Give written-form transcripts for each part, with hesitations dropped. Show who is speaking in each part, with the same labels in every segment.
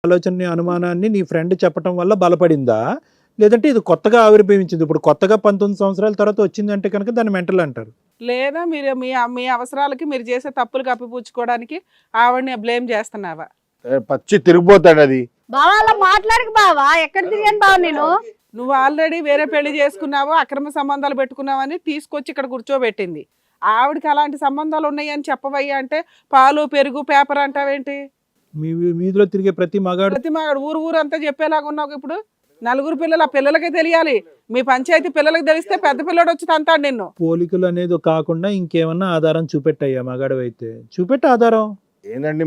Speaker 1: ఆలోచనని, అనుమానాన్ని నీ ఫ్రెండ్ చెప్పటం వల్ల బలపడిందా? లేదంటే ఇది కొత్తగా ఆవిర్భవించింది. ఇప్పుడు కొత్తగా 19 సంవత్సరాల తర్వాత వచ్చిందంటే కనుక దాన్ని మెంటల్ అంటారు.
Speaker 2: లేదా మీరు మీ మీ అవసరాలకి మీరు చేసే తప్పులు కప్పిపుచ్చుకోవడానికి ఆవిడని బ్లేమ్ చేస్తున్నావా?
Speaker 3: పచ్చి తిరిగిపోతాడు అది.
Speaker 4: బావా అలా మాట్లాడకు బావా, ఎక్కడ తిరిగాను బావ నేను?
Speaker 2: నువ్వు ఆల్రెడీ వేరే పెళ్లి చేసుకున్నావు, అక్రమ సంబంధాలు పెట్టుకున్నావని తీసుకొచ్చి ఇక్కడ కూర్చోబెట్టింది. ఆవిడకి అలాంటి సంబంధాలు ఉన్నాయని చెప్పవయ్యా అంటే పాలు పెరుగు పేపర్ అంటావేంటి?
Speaker 1: మీ వీధిలో తిరిగే ప్రతి మగాడు
Speaker 2: ప్రతి మగాడు ఊరు అంతా చెప్పేలాగా ఉన్నావు. ఇప్పుడు నలుగురు పిల్లలు, ఆ పిల్లలకే తెలియాలి. మీ పంచాయతీ పిల్లలకి తెలిస్తే పెద్ద పిల్లడు వచ్చి తంతాడు నిన్ను.
Speaker 1: పోలికలు అనేది కాకుండా ఇంకేమన్నా ఆధారం చూపెట్టయ్యా మగాడు అయితే చూపెట్ట ఆధారం.
Speaker 3: ఏందండి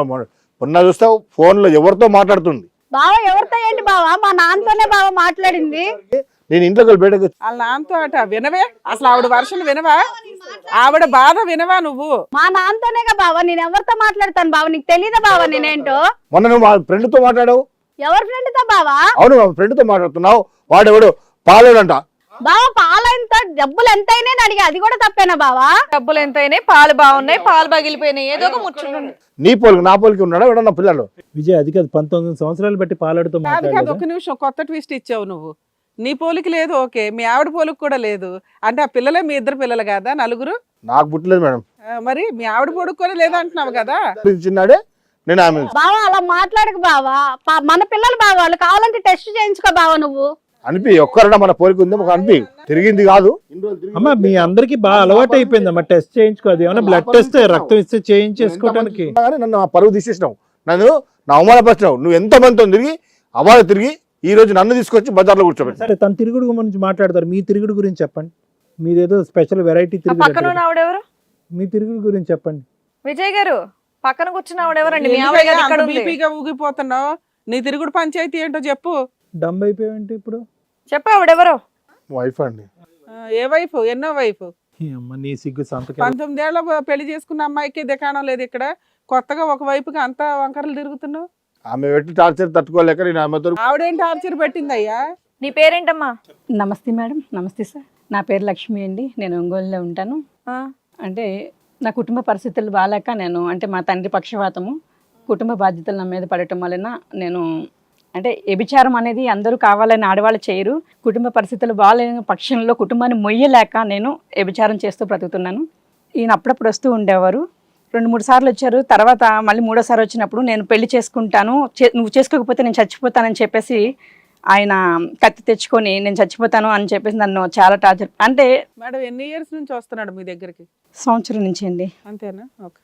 Speaker 3: మొన్న చూస్తావు ఫోన్ లో ఎవరితో మాట్లాడుతుంది.
Speaker 4: బావ ఎవరితో ఏంటి బావా? మా నాన్నతోనే బావ మాట్లాడింది.
Speaker 3: నేను ఇంట్లోకి బయటకు
Speaker 2: వాళ్ళ నాన్నతో అట వినవే, అసలు ఆవిడ వర్షం వినవా? ఆవిడ బాధ వినవా నువ్వు?
Speaker 4: మా నాన్నతోనేగా బావ, నేను ఎవరితో మాట్లాడతాను బావ? నీకు తెలీదా బావ నేనేంటో?
Speaker 3: మొన్న నువ్వు మా ఫ్రెండ్ తో మాట్లాడావు.
Speaker 4: ఎవరి ఫ్రెండ్ తో బావా?
Speaker 3: అవును, మా ఫ్రెండ్ తో మాట్లాడుతున్నావు. వాడెవడు పాలోడంట.
Speaker 4: బావ పాలైన డబ్బులు ఎంతైనా అడిగా, అది కూడా తప్పేనా బావా?
Speaker 5: డబ్బులు ఎంతైనాయి, పాలు బాగున్నాయి, పాలు పగిలిపోయినాయి, ఏదో ఒక ముచ్చట.
Speaker 3: నీ పోలికి నా పోలికి ఉన్నాడా ఎవడన్నా పిల్లలు?
Speaker 1: విజయ్ అది కాదు, 19 సంవత్సరాలు బట్టి పాలాడుతూ
Speaker 2: కాదు కాదు,
Speaker 1: మాట్లాడలేదు.
Speaker 2: ఒక నిమిషం, కొత్త ట్విస్ట్ ఇచ్చావు నువ్వు. నీ పోలికి లేదు, ఓకే, మీ ఆవిడ పోలికి కూడా లేదు అంటే ఆ పిల్లలే మీ ఇద్దరు పిల్లలు కదా, నలుగురు?
Speaker 3: నాకు పుట్టలేదు మేడం.
Speaker 2: మరి మీ ఆవిడ పోలికి కూడా లేదంటున్నావు కదా.
Speaker 3: చిన్నాడే నేను ఆమె.
Speaker 4: బావా అలా మాట్లాడకు బావా, మన పిల్లలు బావా, వాళ్ళు కావాలంటే టెస్ట్ చేయించుకో బావా నువ్వు.
Speaker 3: అనిపి ఒక్కరన్నా మన పోలికి ఉంది ఒక అనిపి తిరిగింది కాదు.
Speaker 1: అమ్మా మీ అందరికి బాగా అలవాటు అయిపోయింది అమ్మా టెస్ట్ చేయించుకోదు. ఏమన్నా బ్లడ్ టెస్ట్ రక్తం ఇస్తే చేయించేసుకోవడానికి.
Speaker 3: నన్ను ఆ పరువు తీసేసినావు, నన్ను నా అవమానపరిచినావు. నువ్వు ఎంత మందితో తిరిగి అవాళ తిరిగి ఈ రోజు నన్ను తీసుకొచ్చి బజార్లో కూర్చోబెట్టి.
Speaker 1: సరే తన తిరుగుడు గురించి మాట్లాడతారు, మీ తిరుగుడు గురించి చెప్పండి. మీదేదో స్పెషల్ వెరైటీ
Speaker 5: పక్కన
Speaker 1: తిరుగుడు,
Speaker 5: ఉన్న ఆవిడెవరు?
Speaker 1: మీ తిరుగుడు గురించి చెప్పండి.
Speaker 5: విజయ్ గారు పక్కన కూర్చున్న ఆవిడెవరండి? మీ ఆవిడ గారు ఇక్కడ ఉంది.
Speaker 2: బీపీగా ఊగిపోతున్నావు, నీ తిరుగుడు పంచాయతీ ఏంటో చెప్పు.
Speaker 1: డమ్ అయిపోయావంటే ఇప్పుడు
Speaker 5: చెప్పు ఆవిడెవరో.
Speaker 3: వైఫ్ అండి.
Speaker 2: ఏ వైఫ్? ఎన్నో వైఫ్?
Speaker 1: ఈ అమ్మ నీ సిగ్గు సంతకం.
Speaker 2: 19 ఏళ్ల పెళ్లి చేసుకున్న అమ్మాయికి దికాణం లేదు ఇక్కడ, కొత్తగా ఒక వైపుకి అంతా వంకరలు తిరుగుతున్నావు.
Speaker 3: ఆమె పెట్టి టార్చర్ తట్టుకోలేక నేను ఆమెతో.
Speaker 2: ఆవిడేం టార్చర్ పెట్టిందయ్యా?
Speaker 5: నీ పేరేంటమ్మా?
Speaker 6: నమస్తే మేడం. నమస్తే సార్. నా పేరు లక్ష్మి అండి. నేను ఒంగోలులో ఉంటాను. అంటే నా కుటుంబ పరిస్థితులు బాగాలేక నేను, అంటే మా తండ్రి పక్షవాతము, కుటుంబ బాధ్యతలు నా మీద పడటం వలన నేను, అంటే వ్యభిచారం అనేది అందరూ కావాలని ఆడవాళ్ళు చేయరు. కుటుంబ పరిస్థితులు బాగాలేని పక్షంలో కుటుంబాన్ని మొయ్యలేక నేను వ్యభిచారం చేస్తూ బ్రతుకుతున్నాను. ఈయన అప్పుడప్పుడు వస్తూ ఉండేవారు. 2-3 సార్లు వచ్చారు. తర్వాత మళ్ళీ 3వ సారి వచ్చినప్పుడు నేను పెళ్లి చేసుకుంటాను, నువ్వు చేసుకోకపోతే నేను చచ్చిపోతానని చెప్పేసి ఆయన కత్తి తెచ్చుకొని నేను చచ్చిపోతాను అని చెప్పేసి నన్ను చాలా టార్చర్. అంటే
Speaker 2: మేడం ఎన్ని ఇయర్స్ నుంచి వస్తున్నాడు మీ దగ్గరికి?
Speaker 6: సంవత్సరం నుంచి అండి.
Speaker 2: అంతేనా? ఓకే.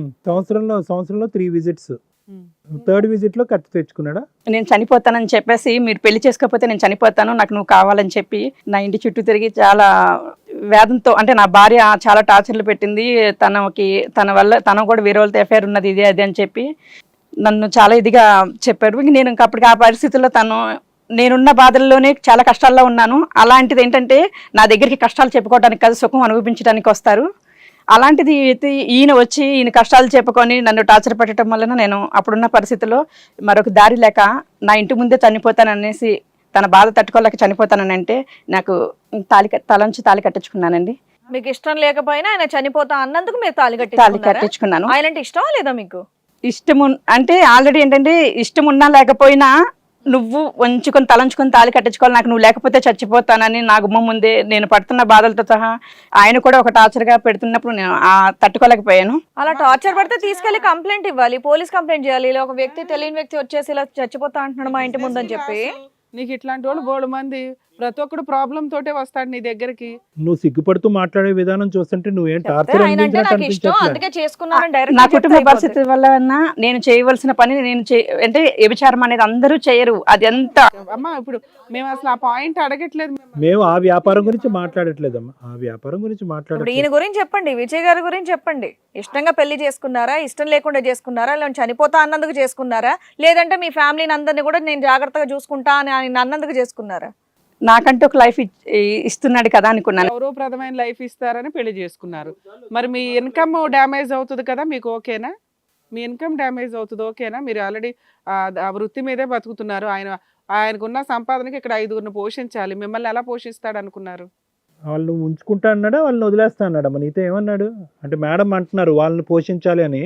Speaker 1: సంవత్సరంలో 3 విజిట్స్. 3rd విజిట్ లో కత్తి తెచ్చుకున్నాడా?
Speaker 6: నేను చనిపోతానని చెప్పేసి, మీరు పెళ్లి చేసుకోకపోతే నేను చనిపోతాను, నాకు నువ్వు కావాలని చెప్పి నా ఇంటి చుట్టూ తిరిగి చాలా వేదంతో, అంటే నా భార్య చాలా టార్చర్లు పెట్టింది. తన వల్ల తన కూడా వేరే వాళ్ళతో ఎఫ్ఐఆర్ ఉన్నది, ఇది అది అని చెప్పి నన్ను చాలా ఇదిగా చెప్పారు. నేను ఇంకా అప్పటికి ఆ పరిస్థితుల్లో నేనున్న బాధల్లోనే చాలా కష్టాల్లో ఉన్నాను. అలాంటిది ఏంటంటే నా దగ్గరికి కష్టాలు చెప్పుకోవడానికి కాదు, సుఖం అనుభవించడానికి వస్తారు. అలాంటిది ఈయన వచ్చి ఈయన కష్టాలు చెప్పుకొని నన్ను టార్చర్ పెట్టడం వలన నేను అప్పుడున్న పరిస్థితుల్లో మరొక దారి లేక నా ఇంటి ముందే చనిపోతాననేసి, తన బాధ తట్టుకోలేక చనిపోతానని అంటే నాకు తలంచి తాళి కట్టించుకున్నానండి.
Speaker 5: మీకు ఇష్టం లేకపోయినా ఆయన చనిపోతా అన్నందుకు మీరు తాళి
Speaker 6: కట్టించుకున్నాను.
Speaker 5: ఆయన అంటే ఇష్టమా లేదా మీకు?
Speaker 6: ఇష్టము అంటే ఆల్రెడీ ఏంటంటే ఇష్టం ఉన్నా లేకపోయినా నువ్వు వంచుకొని తలంచుకొని తాళి కట్టించుకోవాలి, నాకు నువ్వు లేకపోతే చచ్చిపోతానని నా గుమ్మ ముందే నేను పడుతున్న బాధలతో సహా ఆయన కూడా ఒక టార్చర్గా పెడుతున్నప్పుడు నేను తట్టుకోలేకపోయాను.
Speaker 5: అలా టార్చర్ పడితే తీసుకెళ్లి కంప్లైంట్ ఇవ్వాలి, పోలీస్ కంప్లైంట్ చేయాలి. ఇలా ఒక వ్యక్తి, తెలియని వ్యక్తి వచ్చేసి ఇలా చచ్చిపోతా అంటున్నాడు మా ఇంటి ముందని చెప్పి.
Speaker 2: నీకు ఇట్లాంటి వాళ్ళు బోడు మంది, ప్రతి ఒక్కడు ప్రాబ్లం తోటే వస్తాడు నీ దగ్గరికి.
Speaker 1: నువ్వు సిగ్గుపడుతూ మాట్లాడే విధానం చూస్తుంటే నువ్వేం టార్చర్
Speaker 5: ఆయన అంటే నాకు ఇష్టం అందుకే చేసుకున్నాను డైరెక్ట్.
Speaker 6: నా కుటుంబ పరిస్థితి వల్ల నేను చేయవలసిన పని అంటే వ్యభిచారం అనేది అందరూ చేయరు. అది ఎంత
Speaker 2: అమ్మా, ఇప్పుడు మేము అసలు ఆ పాయింట్ అడగట్లేదు.
Speaker 1: మేము ఆ వ్యాపారం గురించి మాట్లాడట్లేదమ్మా, ఆ వ్యాపారం గురించి
Speaker 5: ఇప్పుడు
Speaker 1: మాట్లాడట్లేదు.
Speaker 5: ఈయన గురించి చెప్పండి, విజయ్ గారి గురించి చెప్పండి. ఇష్టంగా పెళ్లి చేసుకున్నారా, ఇష్టం లేకుండా చేసుకున్నారా, ఇలా చనిపోతా అన్నందుకు చేసుకున్నారా, లేదంటే మీ ఫ్యామిలీని అందరినీ కూడా నేను జాగ్రత్తగా చూసుకుంటా అని ఆయన అన్నందుకు చేసుకున్నారా?
Speaker 6: నాకంటూ ఒక లైఫ్ ఇస్తున్నాడు కదా అనుకున్నాను.
Speaker 2: గౌరవప్రదమైన లైఫ్ ఇస్తారని పెళ్లి చేసుకున్నారు. మరి మీ ఇన్కమ్ డ్యామేజ్ అవుతుంది కదా, మీకు ఓకేనా? మీ ఇన్కమ్ డ్యామేజ్ అవుతుంది, ఓకేనా? మీరు ఆల్రెడీ ఆ వృత్తి మీదే బతుకుతున్నారు. ఆయనకున్న సంపాదనకి ఇక్కడ 5గురిని పోషించాలి, మిమ్మల్ని ఎలా పోషిస్తాడు అనుకున్నారు?
Speaker 1: వాళ్ళు ఉంచుకుంటా అన్నాడా, వాళ్ళని వదిలేస్తా అన్నాడా? నీతో ఏమన్నాడు అంటే? మేడం అంటున్నారు వాళ్ళని పోషించాలి అని,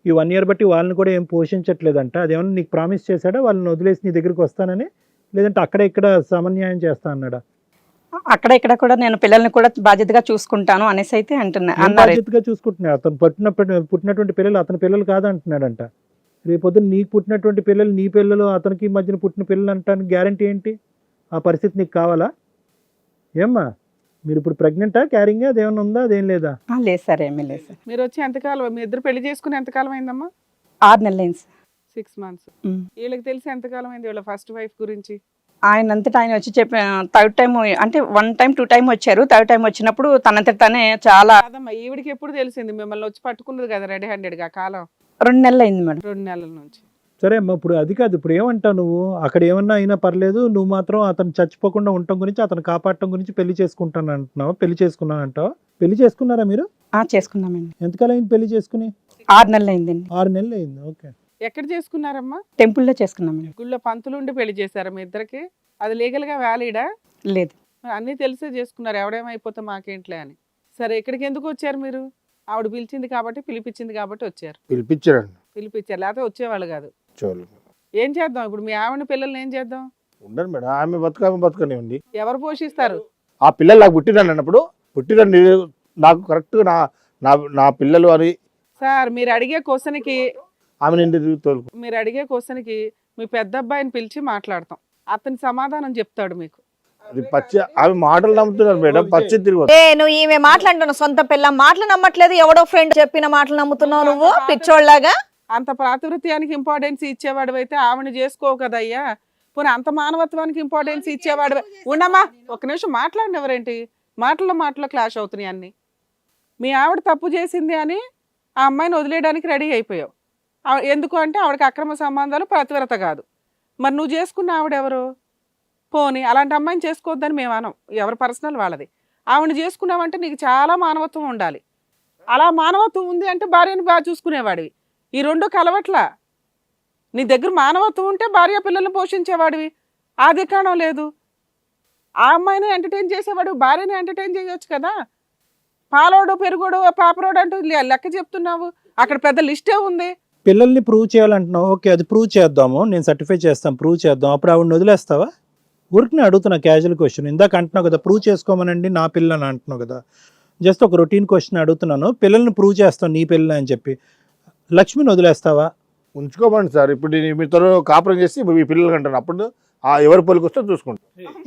Speaker 1: ఈ 1 year బట్టి వాళ్ళని కూడా ఏం పోషించట్లేదంట. అదేమన్నా నీకు ప్రామిస్ చేశాడా వాళ్ళని వదిలేసి నీ దగ్గరికి వస్తానని, లేదంటే అక్కడ ఇక్కడ సమన్యాయం చేస్తా అన్నాడా?
Speaker 6: అక్కడ ఇక్కడ కూడా నేను పిల్లల్ని కూడా బాధ్యతగా చూసుకుంటాను అనేసి అయితే అన్నారు.
Speaker 1: బాధ్యతగా చూసుకుంటున్నాడు. అతను పుట్టినటువంటి పిల్లలు అతని పిల్లలు కాదంటున్నాడంట. రేపొద్దున నీకు పుట్టినటువంటి పిల్లలు నీ పిల్లలు అతనికి మధ్యన పుట్టిన పిల్లలు అంటానికి గ్యారంటీ ఏంటి? ఆ పరిస్థితి నీకు కావాలా? ఏమ్మా మీరు ఇప్పుడు ప్రెగ్నెంటా, క్యారింగ్ అదేమన్నా ఉందా, అదేం లేదా?
Speaker 6: లేదు సార్, ఏమీ లేదు సార్.
Speaker 2: మీరు వచ్చి ఎంతకాలం, మీ ఇద్దరు పెళ్లి చేసుకుని ఎంతకాలం అయిందమ్మా?
Speaker 6: 6 నెలలు అయింది సార్.
Speaker 2: 6 months. వీళ్ళకి తెలిసి ఎంతకాలం అయింది వీళ్ళ ఫస్ట్ వైఫ్ గురించి?
Speaker 6: ఆయన అంతటా ఆయన వచ్చి చెప్పి థర్డ్ టైం అంటే 1 time 2 time వచ్చారు. థర్డ్ టైం వచ్చినప్పుడు తనంతట తనే చాలా
Speaker 2: కాదమ్మా, ఈవిడికి ఎప్పుడు తెలిసింది మిమ్మల్ని వచ్చి పట్టుకున్నది కదా రెడీ హ్యాండెడ్గా? కాలం
Speaker 6: 2 నెలలు అయింది మేడం.
Speaker 2: 2 నెలల నుంచి.
Speaker 1: సరే అమ్మా, ఇప్పుడు అది కాదు, ఇప్పుడు ఏమంటావు నువ్వు? అక్కడ ఏమన్నా అయినా పర్లేదు, నువ్వు మాత్రం అతను చచ్చిపోకుండా ఉండటం గురించి, అతను కాపాడటం గురించి పెళ్లి చేసుకుంటాను అంటున్నావు. పెళ్లి చేసుకున్నాను అంటావు. పెళ్లి చేసుకున్నారా మీరు?
Speaker 6: చేసుకున్నామండి.
Speaker 1: ఎంతకాలం అయింది పెళ్లి చేసుకుని?
Speaker 6: 6 నెలలు అయిందండి.
Speaker 1: 6 నెలలు అయింది. ఓకే.
Speaker 2: ఎక్కడ చేసుకున్నారమ్మా?
Speaker 6: టెంపుల్లో చేసుకున్నామండి.
Speaker 2: గుళ్ళో పంతులు ఉండి పెళ్లి చేశారా మీ ఇద్దరికి? అది లీగల్ గా వ్యాలిడా?
Speaker 6: లేదు.
Speaker 2: అన్ని తెలిసే చేసుకున్నారు, ఎవడేమైపోతే మాకేంట్లే అని. సరే, ఇక్కడికి ఎందుకు వచ్చారు మీరు? ఆవిడ పిలిచింది కాబట్టి, పిలిపించింది కాబట్టి వచ్చారు.
Speaker 3: పిలిపించారండి.
Speaker 2: పిలిపించారు, లేకపోతే వచ్చేవాళ్ళు కాదు.
Speaker 3: చూడు
Speaker 2: ఏం చేద్దాం ఇప్పుడు? మీ ఆవిడ పిల్లల్ని ఏం చేద్దాం?
Speaker 3: ఉండరు మేడం, ఆమె బతకనివ్వండి.
Speaker 2: ఎవరు పోషిస్తారు?
Speaker 3: ఆ పిల్లలు నాకు పుట్టిరండి అన్నప్పుడు, పుట్టిరండి నాకు కరెక్ట్గా నా పిల్లలు అని
Speaker 2: సార్ మీరు అడిగే క్వశ్చన్కి,
Speaker 3: ఆమె నిండి తోలుకు.
Speaker 2: మీరు అడిగే క్వశ్చన్కి మీ పెద్ద అబ్బాయిని పిలిచి మాట్లాడతాం, అతని సమాధానం చెప్తాడు మీకు.
Speaker 3: అది పచ్చి ఆమె మాటలు నమ్ముతున్నారు మేడం, పచ్చి తిరిగి.
Speaker 5: నువ్వు ఈమె మాట్లాడుతున్నావు, సొంత పిల్ల మాటలు నమ్మట్లేదు, ఎవడో ఫ్రెండ్ చెప్పిన మాటలు నమ్ముతున్నావు నువ్వు పిచ్చోళ్ళలాగా.
Speaker 2: అంత ప్రాతివృత్యానికి ఇంపార్టెన్స్ ఇచ్చేవాడు అయితే ఆవిడ చేసుకో కదయ్యా. పోనీ అంత మానవత్వానికి ఇంపార్టెన్స్ ఇచ్చేవాడు ఉండమ్మా. ఒక నిమిషం మాట్లాడిన ఎవరేంటి? మాటల్లో క్లాష్ అవుతున్నాయి అన్ని. మీ ఆవిడ తప్పు చేసింది అని ఆ అమ్మాయిని వదిలేయడానికి రెడీ అయిపోయావు. ఎందుకు అంటే ఆవిడకి అక్రమ సంబంధాలు, ప్రతివ్రత కాదు. మరి నువ్వు చేసుకున్న ఆవిడెవరు? పోనీ అలాంటి అమ్మాయిని చేసుకోవద్దని మేము అనం, ఎవరి పర్సనల్ వాళ్ళది. ఆవిడని చేసుకున్నావంటే నీకు చాలా మానవత్వం ఉండాలి. అలా మానవత్వం ఉంది అంటే భార్యని బాగా చూసుకునేవాడివి. ఈ రెండు కలవట్లా. నీ దగ్గర మానవత్వం ఉంటే భార్య పిల్లల్ని పోషించేవాడివి. ఆ దిక్కాణం లేదు. ఆ అమ్మాయిని ఎంటర్టైన్ చేసేవాడు, భార్యని ఎంటర్టైన్ చేయొచ్చు కదా. పాలోడు, పెరుగోడు, పాపరోడు అంటూ లెక్క చెప్తున్నావు. అక్కడ పెద్ద లిస్టే ఉంది.
Speaker 1: పిల్లల్ని ప్రూవ్ చేయాలంటున్నావు. ఓకే, అది ప్రూవ్ చేద్దాము, నేను సర్టిఫై చేస్తాను, ప్రూవ్ చేద్దాం. అప్పుడు ఆవిడని వదిలేస్తావా? ఊరికి అడుగుతున్నా, క్యాజువల్ క్వశ్చన్. ఇందాక అంటున్నావు కదా ప్రూవ్ చేసుకోమనండి నా పిల్లని అంటున్నావు కదా. జస్ట్ ఒక రొటీన్ క్వశ్చన్ అడుగుతున్నాను. పిల్లల్ని ప్రూవ్ చేస్తాను నీ పిల్ల అని చెప్పి, లక్ష్మిని వదిలేస్తావా?
Speaker 3: ఉంచుకోమండి సార్. ఇప్పుడు మీతో కాపురం చేసి మీ పిల్లలు అంటాను, అప్పుడు ఎవరి పొలికి వస్తే చూసుకుంటాం.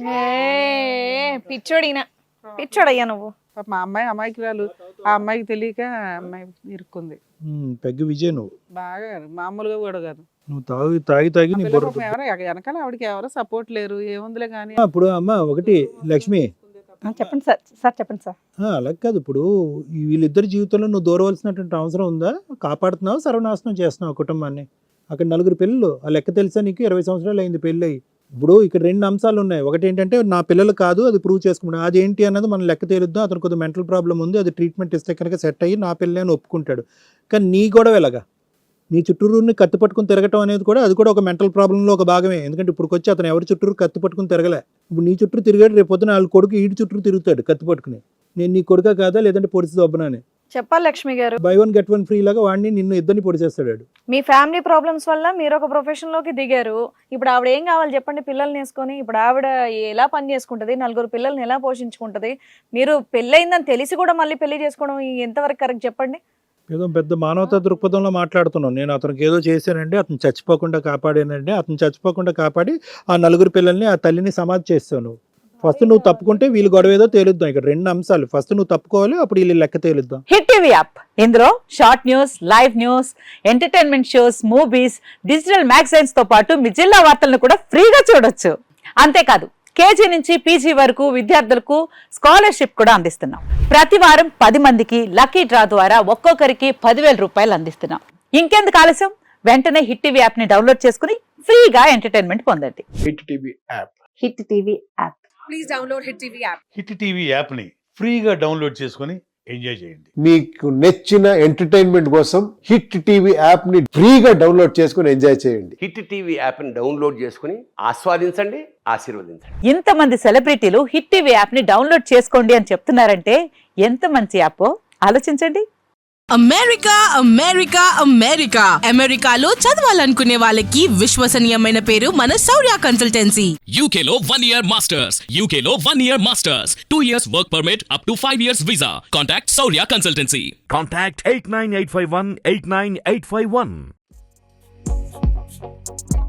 Speaker 5: పిచ్చోడయ్యా నువ్వు.
Speaker 2: మా అమ్మాయి అమాయకురాలు, ఆ అమ్మాయికి తెలియక అమ్మాయి ఇరుక్కుంది.
Speaker 1: పెగ్గు విజయ్ నువ్వు
Speaker 2: బాగా మామూలుగా కూడా కాదు.
Speaker 1: నువ్వు తాగి నీ బుర్ర.
Speaker 2: ఎవరో వెనకాల ఆవిడకి ఎవరో సపోర్ట్ లేరు, ఏముందిలే కానీ.
Speaker 1: ఇప్పుడు అమ్మ ఒకటి లక్ష్మి,
Speaker 6: చెప్పండి సార్. సార్ చెప్పండి సార్.
Speaker 1: అలా కాదు, ఇప్పుడు వీళ్ళిద్దరి జీవితంలో నువ్వు దూరవలసినటువంటి అవసరం ఉందా? కాపాడుతున్నావు, సర్వనాశనం చేస్తున్నావు కుటుంబాన్ని. అక్కడ 4 పిల్లలు, ఆ లెక్క తెలుసా నీకు? 20 సంవత్సరాలు అయింది పెళ్ళి. ఇప్పుడు ఇక్కడ 2 అంశాలు ఉన్నాయి. ఒకటి ఏంటంటే నా పిల్లలు కాదు, అది ప్రూవ్ చేసుకుంటాను. అది ఏంటి అన్నది మనం లెక్క తేలుద్దాం. అతను కొద్దిగా మెంటల్ ప్రాబ్లం ఉంది, అది ట్రీట్మెంట్ ఇస్తే కనుక సెట్ అయ్యి నా పిల్లలే అని ఒప్పుకుంటాడు. కానీ నీ గొడవ ఎలాగా? నీ చుట్టూరుని కత్తి పట్టుకుని తిరగటం అనేది కూడా, అది కూడా ఒక మెంటల్ ప్రాబ్లంలో ఒక భాగమే. ఎందుకంటే ఇప్పుడు వచ్చి అతను ఎవరి చుట్టూరు కత్తి పట్టుకుని తిరగలే. ఇప్పుడు నీ చుట్టూ తిరిగాడు, రేపు పొద్దున వాళ్ళ కొడుకు ఈడి చుట్టూ తిరుగుతాడు కత్తి పట్టుకుని. నేను నీ కొడుకా కాదా, లేదంటే పొడిచి దొబ్బనా అని.
Speaker 5: చెప్పాలి లక్ష్మి గారు.
Speaker 1: బై 1 get 1 ఫ్రీ లాగా వాడిని నిన్ను ఇద్దరిని పొడిచేస్తాడు.
Speaker 5: మీ ఫ్యామిలీ ప్రాబ్లమ్స్ వల్ల మీరు ఒక ప్రొఫెషన్ లోకి దిగారు. ఇప్పుడు ఆవిడ ఏం కావాలి చెప్పండి? పిల్లల్ని వేసుకొని ఇప్పుడు ఆవిడ ఎలా పని చేసుకుంటది? 4 పిల్లల్ని ఎలా పోషించుకుంటది? మీరు పెళ్ళయిందని తెలిసి కూడా మళ్ళీ పెళ్లి చేసుకోవడం ఎంతవరకు కరెక్ట్ చెప్పండి?
Speaker 1: ఏదో పెద్ద మానవతా దృక్పథంలో మాట్లాడుతున్నాను. నేను అతనికి ఏదో చేశానండి, అతను చచ్చిపోకుండా కాపాడానండి. అతను చచ్చిపోకుండా కాపాడి ఆ 4 పిల్లల్ని, ఆ తల్లిని సమాధి చేస్తాను. ఫస్ట్ నువ్వు తప్పుకుంటే వీళ్ళు గొడవ ఏదో తేలుద్దాం. ఇక్కడ 2 అంశాలు, ఫస్ట్ నువ్వు తప్పుకోవాలి, అప్పుడు వీళ్ళు లెక్క తేలుద్దాం.
Speaker 7: హిట్ టీవీ యాప్, ఇందులో short news, live news, entertainment shows, movies, digital magazines తో పాటు మీ జిల్లా వార్తలను కూడా ఫ్రీగా చూడొచ్చు. అంతేకాదు కేజీ నుంచి పీజీ వరకు విద్యార్థులకు స్కాలర్షిప్ కూడా అందిస్తున్నాం. ప్రతి వారం 10 మందికి లక్కీ డ్రా ద్వారా ఒక్కొక్కరికి 10,000 రూపాయలు అందిస్తున్నాం. ఇంకెందుకు ఆలస్యం? వెంటనే హిట్ టీవీ యాప్ ని డౌన్లోడ్ చేసుకుని ఫ్రీగా ఎంటర్టైన్మెంట్ పొందండి.
Speaker 3: Hit TV app.
Speaker 7: Hit TV app.
Speaker 5: Please download hit TV app.
Speaker 8: Hit TV యాప్ని ఫ్రీగా డౌన్లోడ్ చేసుకొని ఎంజాయ్ చేయండి.
Speaker 9: మీకు నచ్చిన ఎంటర్టైన్మెంట్ కోసం హిట్ టీవీ యాప్ ని ఫ్రీగా డౌన్లోడ్ చేసుకుని ఎంజాయ్ చేయండి.
Speaker 10: హిట్ టీవీ యాప్ని డౌన్లోడ్ చేసుకుని ఆస్వాదించండి, ఆశీర్వదించండి.
Speaker 7: ఇంతమంది సెలబ్రిటీలు హిట్ టీవీ యాప్ ని డౌన్లోడ్ చేసుకోండి అని చెప్తున్నారంటే ఎంత మంచి యాప్ ఆలోచించండి.
Speaker 11: అమెరికా అమెరికా అమెరికా అమెరికాలో చదవాలనుకునే వాళ్ళకి విశ్వసనీయమైన పేరు మన శౌర్య కన్సల్టెన్సీ.
Speaker 12: UK లో 1 year masters, UK లో 1 year masters, 2 years work permit up to 5 years visa. Contact Saurya Consultancy.
Speaker 13: Contact 89851 89851.